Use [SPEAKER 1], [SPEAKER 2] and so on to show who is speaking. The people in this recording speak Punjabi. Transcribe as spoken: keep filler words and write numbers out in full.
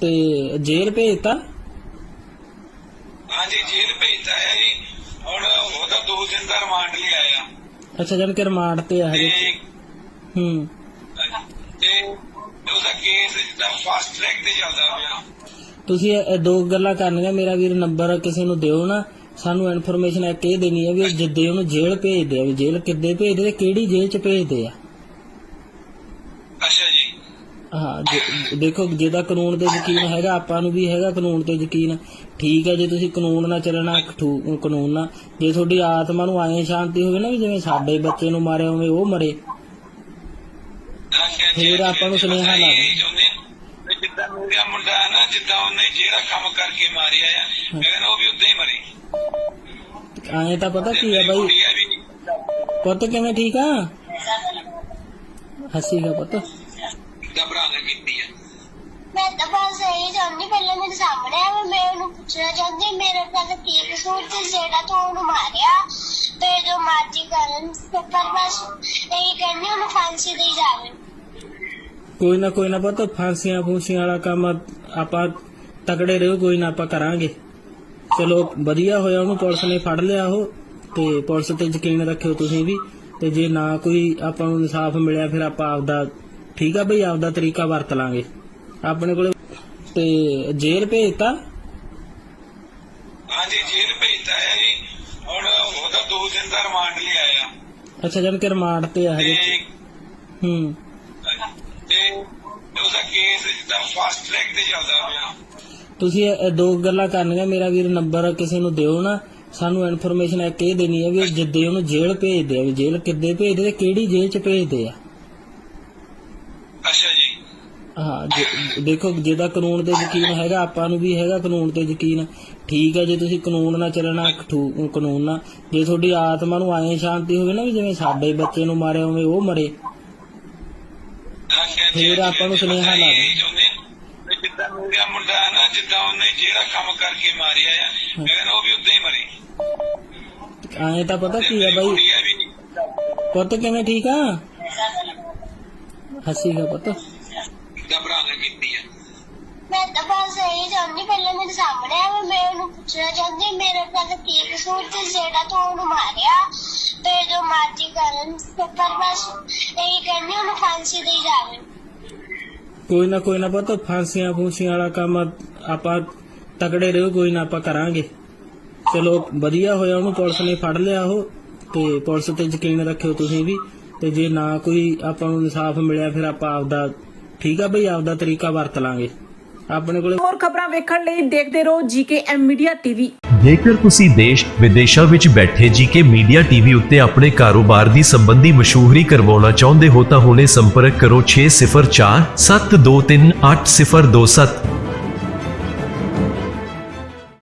[SPEAKER 1] ਤੇ ਜੇਲ੍ਹ ਭੇਜਤਾ?
[SPEAKER 2] हाँ जी जेल भेजता है जी और ਉਹਦਾ दो दिन ਦਾ ਰਿਮਾਂਡ ਲਈ ਆਇਆ।
[SPEAKER 1] ਅੱਛਾ ਜਨ ਕੇ ਰਿਮਾਂਡ ਤੇ ਆ ਹਜੇ। ਹੂੰ
[SPEAKER 2] ਤੇ ਉਹਦਾ ਕੇਸ ਜਿੱਦਾਂ ਫਾਸਟ ਟਰੈਕ ਤੇ ਚੱਲਦਾ ਪਿਆ।
[SPEAKER 1] ਤੁਸੀਂ ਇਹ ਦੋ ਗੱਲਾਂ ਕਰਨੀਆਂ, ਮੇਰਾ ਵੀਰ ਨੰਬਰ ਕਿਸੇ ਨੂੰ ਦਿਓ ਨਾ, ਸਾਨੂੰ ਇਨਫੋਰਮੇਸ਼ਨ ਇੱਕ ਇਹ ਦੇਣੀ ਹੈ ਵੀ ਜਿੱਦੇ ਉਹਨੂੰ ਜੇਲ੍ਹ ਭੇਜਦੇ ਆ, ਵੀ ਜੇਲ੍ਹ ਕਿੱਦੇ ਭੇਜਦੇ ਤੇ ਕਿਹੜੀ ਜੇਲ੍ਹ ਚ ਭੇਜਦੇ ਆ।
[SPEAKER 2] ਅੱਛਾ ਜੀ
[SPEAKER 1] ਹਾਂ ਦੇਖੋ ਜਿਹਦਾ ਕਾਨੂੰਨ ਤੇ ਯਕੀਨ ਹੈਗਾ, ਆਪਾਂ ਨੂੰ ਵੀ ਹੈਗਾ ਕਾਨੂੰਨ ਤੇ ਯਕੀਨ, ਠੀਕ ਹੈ। ਜੇ ਤੁਸੀਂ ਕਾਨੂੰਨ ਨਾਲ ਚੱਲਣਾ, ਕਾਨੂੰਨ ਨਾਲ, ਜੇ ਤੁਹਾਡੀ ਆਤਮਾ ਨੂੰ ਆਏ ਸ਼ਾਂਤੀ ਹੋਵੇ ਨਾ ਵੀ ਜਿਵੇਂ ਸਾਡੇ ਬੱਚੇ ਨੂੰ ਮਾਰਿਆ ਉਵੇਂ ਉਹ ਮਰੇ, ਫਿਰ ਆਪਾਂ ਨੂੰ ਸੁਨੇਹਾ ਲਾ ਦੇ।
[SPEAKER 2] ਜਿੱਦਾਂ ਮੇਰਾ ਮੁੰਡਾ ਹੈ ਨਾ, ਜਿੱਦਾਂ ਉਹਨੇ ਜਿਹੜਾ ਕੰਮ ਕਰਕੇ ਮਾਰਿਆ ਆ, ਮੈਂ ਕਹਿੰਦਾ ਉਹ ਵੀ ਉਦਾਂ ਹੀ ਮਰੇ।
[SPEAKER 1] ਆਏ ਤਾਂ ਪਤਾ ਕੀ ਹੈ ਬਾਈ, ਪੁੱਤ ਕਿਵੇਂ ਠੀਕ ਆ? ਹੱਸੀਗਾ ਪੁੱਤ।
[SPEAKER 2] ਘਬਰਾਣਾ ਕੀਤੀ ਹੈ
[SPEAKER 3] मैं तो बस यही चाहती पहले मेरे सामने है मैं उन्हें पूछना चाहती मेरे नाल की कसूर ते जेड़ा तू उन्हें मारिया ते जो मर्जी करन पर बस यही कहनी उन्हें फांसी दी जावे।
[SPEAKER 1] ਕੋਈ ਨਾ ਕੋਈ ਨਾ ਪੁੱਤ, ਫਾਂਸੀਆਂ ਫੂਸੀਆਂ ਵਾਲਾ ਕੰਮ ਆਪਾਂ ਤਕੜੇ ਰਹੋ, ਕੋਈ ਨਾ ਆਪਾਂ ਕਰਾਂਗੇ। ਚਲੋ ਵਧੀਆ ਹੋਇਆ ਉਹਨੂੰ ਪੁਲਿਸ ਨੇ ਫੜ ਲਿਆ ਉਹ, ਤੇ ਪੁਲਿਸ ਤੇ ਯਕੀਨ ਰੱਖਿਓ ਤੁਸੀਂ ਵੀ। ਤੇ ਜੇ ਨਾ ਕੋਈ ਆਪਾਂ ਨੂੰ ਇਨਸਾਫ ਮਿਲਿਆ ਫਿਰ ਆਪਾਂ ਆਪਦਾ, ਠੀਕ ਆ ਬਈ, ਆਪਦਾ ਤਰੀਕਾ ਵਰਤ ਲਾਂਗੇ ਆਪਣੇ ਕੋਲੇ। ਤੇ ਜੇਲ੍ਹ ਭੇਜਤਾ?
[SPEAKER 2] हाँ जी जेल भेजता है जी और ਉਹਦਾ दो दिन ਦਾ ਰਿਮਾਂਡ ਲਈ ਆਇਆ।
[SPEAKER 1] ਅੱਛਾ ਜਨ ਕੇ ਰਿਮਾਂਡ ਤੇ ਆ ਹਜੇ। ਹੂੰ
[SPEAKER 2] ਤੇ ਉਹਦਾ ਕੇਸ ਜਿੱਦਾਂ ਫਾਸਟ ਟਰੈਕ ਤੇ ਚੱਲਦਾ ਪਿਆ।
[SPEAKER 1] ਤੁਸੀਂ ਇਹ ਦੋ ਗੱਲਾਂ ਕਰਨੀਆਂ, ਮੇਰਾ ਵੀਰ ਨੰਬਰ ਕਿਸੇ ਨੂੰ ਦਿਓ ਨਾ, ਸਾਨੂੰ ਇਨਫੋਰਮੇਸ਼ਨ ਇੱਕ ਇਹ ਦੇਣੀ ਹੈ ਵੀ ਜਿੱਦੇ ਉਹਨੂੰ ਜੇਲ੍ਹ ਭੇਜਦੇ ਆ, ਵੀ ਜੇਲ੍ਹ ਕਿੱਦੇ ਭੇਜਦੇ ਤੇ ਕਿਹੜੀ ਜੇਲ੍ਹ ਚ ਭੇਜਦੇ ਆ।
[SPEAKER 2] ਅੱਛਾ ਜੀ
[SPEAKER 1] ਹਾਂ ਦੇਖੋ ਜਿਹਦਾ ਕਾਨੂੰਨ ਤੇ ਯਕੀਨ ਹੈਗਾ, ਆਪਾਂ ਨੂੰ ਵੀ ਹੈਗਾ ਕਾਨੂੰਨ ਤੇ ਯਕੀਨ, ਠੀਕ ਹੈ। ਜੇ ਤੁਸੀਂ ਕਾਨੂੰਨ ਨਾਲ ਚੱਲਣਾ, ਕਾਨੂੰਨ ਨਾਲ, ਜੇ ਤੁਹਾਡੀ ਆਤਮਾ ਨੂੰ ਆਏ ਸ਼ਾਂਤੀ ਹੋਵੇ ਨਾ ਵੀ ਜਿਵੇਂ ਸਾਡੇ ਬੱਚੇ ਨੂੰ ਮਾਰਿਆ ਉਵੇਂ ਉਹ ਮਰੇ, ਫਿਰ ਆਪਾਂ ਨੂੰ ਸੁਨੇਹਾ ਲਾ ਦੇ।
[SPEAKER 2] ਜਿੱਦਾਂ ਮੇਰਾ ਮੁੰਡਾ ਹੈ ਨਾ, ਜਿੱਦਾਂ ਉਹਨੇ ਜਿਹੜਾ ਕੰਮ ਕਰਕੇ ਮਾਰਿਆ ਆ, ਮੈਂ ਕਹਿੰਦਾ ਉਹ ਵੀ ਉਦਾਂ ਹੀ ਮਰੇ।
[SPEAKER 1] ਆਏ ਤਾਂ ਪਤਾ ਕੀ ਹੈ ਬਾਈ, ਪੁੱਤ ਕਿਵੇਂ ਠੀਕ ਆ? ਹੱਸੀਗਾ ਪੁੱਤ।
[SPEAKER 2] ਘਬਰਾਣਾ ਕੀਤੀ ਹੈ
[SPEAKER 3] मैं तो बस यही चाहती पहले मेरे सामने है मैं उन्हें पूछना चाहती मेरे नाल की कसूर ते जेड़ा तू उन्हें मारिया ते जो मर्जी करन पर बस यही कहनी उन्हें फांसी दी जावे।
[SPEAKER 1] ਕੋਈ ਨਾ ਕੋਈ ਨਾ ਪੁੱਤ, ਫਾਂਸੀਆਂ ਫੂਸੀਆਂ ਵਾਲਾ ਕੰਮ ਆਪਾਂ ਤਕੜੇ ਰਹੋ, ਕੋਈ ਨਾ ਆਪਾਂ ਕਰਾਂਗੇ। ਚਲੋ ਵਧੀਆ ਹੋਇਆ ਉਹਨੂੰ ਪੁਲਿਸ ਨੇ ਫੜ ਲਿਆ ਉਹ, ਤੇ ਪੁਲਿਸ ਤੇ ਯਕੀਨ ਰੱਖਿਓ ਤੁਸੀਂ ਵੀ। ਤੇ ਜੇ ਨਾ ਕੋਈ ਆਪਾਂ ਨੂੰ ਇਨਸਾਫ ਮਿਲਿਆ ਫਿਰ ਆਪਾਂ ਆਪਦਾ, ਠੀਕ ਆ ਬਈ, ਆਪਦਾ ਤਰੀਕਾ ਵਰਤ ਲਾਂਗੇ ਆਪਣੇ ਕੋਲੇ।
[SPEAKER 4] ਹੋਰ ਖਬਰਾਂ ਵੇਖਣ ਲਈ ਦੇਖਦੇ ਰਹੋ ਜੀਕੇ ਐਮ ਮੀਡੀਆ ਟੀਵੀ।
[SPEAKER 5] ਜੇਕਰ ਤੁਸੀਂ ਦੇਸ਼ ਵਿਦੇਸ਼ਾਂ ਵਿੱਚ ਬੈਠੇ ਜੀਕੇ ਮੀਡੀਆ ਟੀਵੀ ਉੱਤੇ ਆਪਣੇ ਕਾਰੋਬਾਰ ਦੀ ਸੰਬੰਧੀ ਮਸ਼ਹੂਰੀ ਕਰਵਾਉਣਾ ਚਾਹੁੰਦੇ ਹੋ ਤਾਂ ਹੁਣੇ ਸੰਪਰਕ ਕਰੋ ਛੇ ਸਿਫਰ ਚਾਰ ਸੱਤ ਦੋ ਤਿੰਨ ਅੱਠ ਸਿਫਰ ਦੋ ਸੱਤ।